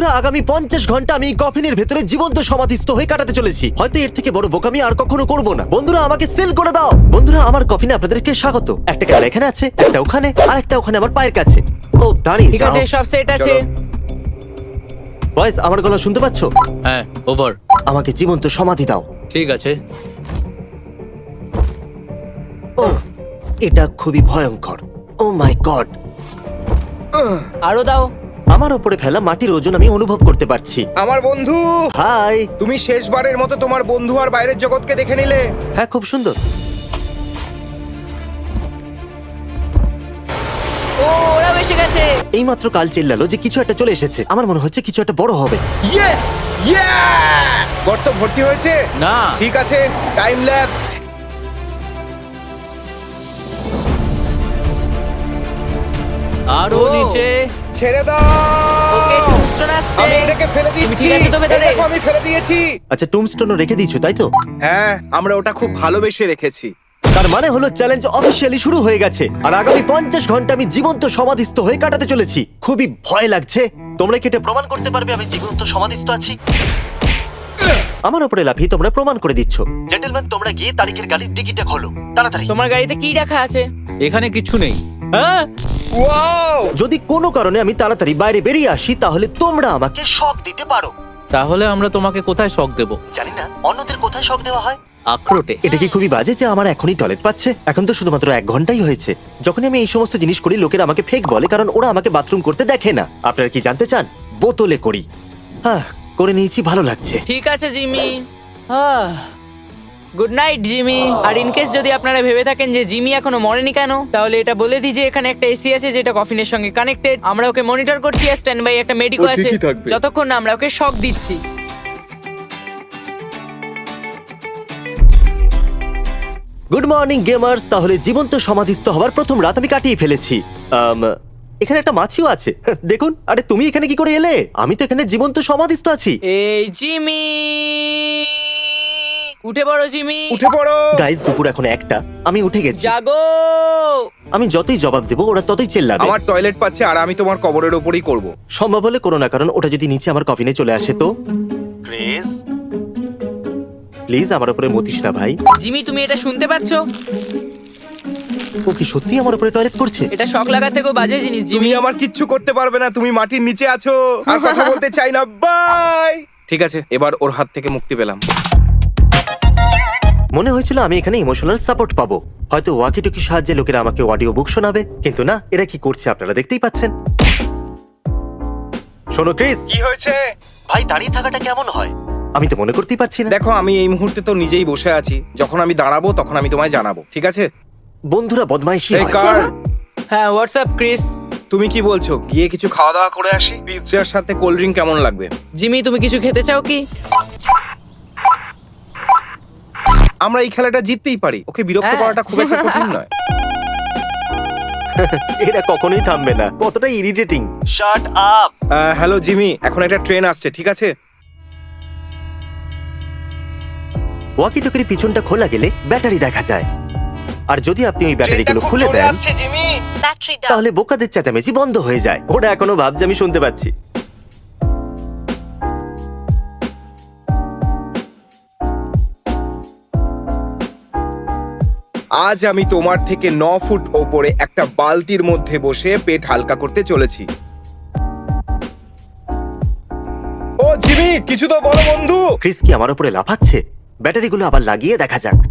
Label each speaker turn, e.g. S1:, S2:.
S1: বন্ধুরা, আগামী 50 ঘন্টা আমি এই কফিনের ভেতরে জীবন্ত সমাধিস্থ হয়ে কাটাতে চলেছি। হয়তো এর থেকে বড় বোকামি আর কখনো করব না। বন্ধুরা, আমাকে সেল করে দাও। বন্ধুরা, আমার কফিনে আপনাদেরকে স্বাগত। একটা ক্যামেরা এখানে আছে, একটা ওখানে, আর একটা ওখানে আমার পায়ের কাছে। ও দাঁড়িয়ে
S2: ঠিক আছে, সব সেট আছে।
S1: বয়েস, আমার গলা শুনতে পাচ্ছো?
S3: হ্যাঁ, ওভার।
S1: আমাকে জীবন্ত সমাধি দাও।
S3: ঠিক আছে।
S1: ও, এটা খুবই ভয়ঙ্কর। Oh my god.
S2: আরো দাও।
S1: আমার উপরে ফেলা মাটির ওজন আমি অনুভব করতে পারছি।
S4: আমার বন্ধু,
S1: হাই।
S4: তুমি শেষবারের মতো তোমার বন্ধু আর বাইরের জগৎকে দেখে নিলে।
S1: হ্যাঁ, খুব সুন্দর।
S2: ও, ওরা এসে গেছে।
S1: এইমাত্র কাল চিল্লালো যে কিছু একটা চলে এসেছে। আমার মনে হচ্ছে কিছু একটা বড় হবে।
S4: ইয়েস! ইয়া! গর্ত ভর্তি হয়েছে?
S3: না।
S4: ঠিক আছে, টাইম ল্যাপস।
S3: আরো
S2: ও।
S3: নিচে।
S4: ছেড়ে দাও।
S2: ওকে, টুস্টোন আসছে।
S4: আমি এটাকে ফেলে
S2: তুমি
S4: দিচ্ছি।
S2: ঠিক আছো তো ভেতরে?
S4: এই দেখো, আমি ফেলে দিয়েছি।
S1: আচ্ছা, টুমস্টোনও রেখে দিয়েছো, তাই তো?
S4: হ্যাঁ, আমরা ওটা খুব ভালোবেসে রেখেছি।
S1: তার মানে হলো চ্যালেঞ্জ অফিসিয়ালি শুরু হয়ে গেছে, আর আগামী 50 ঘন্টা আমি জীবন্ত সমাধিস্থ হয়ে কাটাতে চলেছি। খুবই ভয় লাগছে। তোমরা কি এটা প্রমাণ করতে পারবে আমি জীবন্ত সমাধিস্থ আছি? আমার উপরে লাফিয়ে তোমরা প্রমাণ করে দিচ্ছ। জেন্টলম্যান, তোমরা গিয়ে তারিখের গাড়ির টিকিটটা খোলো তাড়াতাড়ি।
S2: তোমার গাড়িতে কি রাখা আছে?
S3: এখানে কিছু নেই। হ্যাঁ,
S4: ওয়াও!
S1: যদি কোনো কারণে আমি তাড়াতাড়ি বাইরে বেরিয়ে আসি, তাহলে তোমরা আমাকে শক দিতে পারো।
S3: তাহলে আমরা তোমাকে কোথায় শক দেব?
S1: জানি না অন্যদের কোথায় শক দেওয়া হয়।
S3: আখরোটে।
S1: এটা কি খুবই বাজে যে আমার এখনই টয়লেট পাচ্ছে? এখন তো শুধুমাত্র 1 ঘন্টাই হয়েছে। যখন আমি এই সমস্ত জিনিস করি, লোকেরা আমাকে ফেক বলে, কারণ ওরা আমাকে বাথরুম করতে দেখে না। আপনারা কি জানতে চান? বোতলে করি। হ্যাঁ, করে নিয়েছি, ভালো লাগছে।
S2: ঠিক আছে জিমি। Good night Jimmy. আর ইনকেস যদি আপনারা ভেবে থাকেন যে জিমি এখনো মরেনি কেন, তাহলে এটা বলে দিই যে এখানে একটা এসি আছে যেটা কফিনের সঙ্গে কানেক্টেড। আমরা ওকে মনিটর করছি, আর স্ট্যান্ড বাই একটা মেডিকো আছে
S4: ঠিকই থাকবে।
S2: যতক্ষণ না আমরা ওকে শক দিচ্ছি।
S1: Good morning gamers. তাহলে জীবন্ত সমাধিস্থ হওয়ার প্রথম রাত আমি কাটিয়ে ফেলেছি। এখানে একটা মাছিও আছে। দেখুন। আরে তুমি এখানে কি করে এলে? আমি তো এখানে জীবন্ত সমাধিস্থ আছি।
S2: এই জিমি, উঠে পড়ো জিমি।
S4: উঠে পড়ো।
S1: গাইস, দুপুর এখন 1টা। আমি উঠে গেছি।
S2: জাগো।
S1: আমি যতই জবাব দেবো ওরা ততই চেল্লাবে।
S4: আমার টয়লেট পাচ্ছে আর আমি তোমার কবরের ওপরই করব।
S1: সম্ভব হলে করো না, কারণ ওটা যদি নিচে আমার কফিনে চলে আসে তো। ক্রিস, প্লিজ আমার উপরে মতিস না ভাই।
S2: জিমি, তুমি এটা শুনতে পাচ্ছো?
S1: ও কি সত্যি আমার উপরে টয়লেট করছে?
S2: এটা শক লাগার থেকেও বাজে জিনিস
S4: তুমি
S2: জিমি।
S4: আমার কিচ্ছু করতে পারবে না, তুমি মাটির নিচে আছো। আর কথা বলতে চাই না, বাই। ঠিক আছে, এবার ওর হাত থেকে মুক্তি পেলাম।
S1: মনে হয়েছিল আমি এখানে ইমোশনাল সাপোর্ট পাবো, হয়তো ওয়াকি টকির সাহায্যে লোকেরা আমাকে অডিও বুক শোনাবে, কিন্তু না, এরা কি করছে আপনারা দেখতেই পাচ্ছেন। শোনো ক্রিস,
S4: কি হয়েছে?
S1: ভাই দাঁড়িয়ে থাকাটা কেমন হয়? আমি তো মনে করতেই পারছি না।
S4: দেখো, আমি এই মুহূর্তে তো নিজেই বসে আছি। যখন আমি দাঁড়াবো তখন আমি তোমায় জানাবো, ঠিক আছে?
S1: বন্ধুরা বদমাইশি
S4: এই
S1: হয়।
S4: কার,
S2: হ্যাঁ, হোয়াটসঅ্যাপ ক্রিস।
S4: তুমি কি বলছো? গিয়ে কিছু খাওয়া দাওয়া করে আসি? পিৎজার সাথে কোল্ড ড্রিঙ্ক কেমন লাগবে?
S2: জিমি, তুমি কিছু খেতে চাও কি?
S4: আমরা এই খেলাটা জিততেই পারি। ওকে বিরক্ত
S2: হ্যাঁ।
S4: করাটা খুব একটা কঠিন নয়।
S1: এরা কখনোই থামবে না, কতটা irritating. Shut up.
S4: Hello Jimmy, এখন একটা ট্রেন আসছে, ঠিক আছে?
S1: ওয়াকি টকির পিছনটা খোলা গেলে ব্যাটারি দেখা যায়, আর যদি আপনি ওই ব্যাটারিগুলো খুলে দেন তাহলে বোকাদের চেঁচামেচি বন্ধ হয়ে যায়। ওরা এখনো ভাবছে আমি শুনতে পাচ্ছি।
S4: আজ আমি তোমার থেকে 9 ফুট ওপরে একটা বালতির মধ্যে বসে পেট হালকা করতে চলেছি। ও জিমি, কিছু তো বলো বন্ধু।
S1: ক্রিস কি আমার উপরে লাফাচ্ছে? ব্যাটারিগুলো আবার লাগিয়ে দেখা যাক।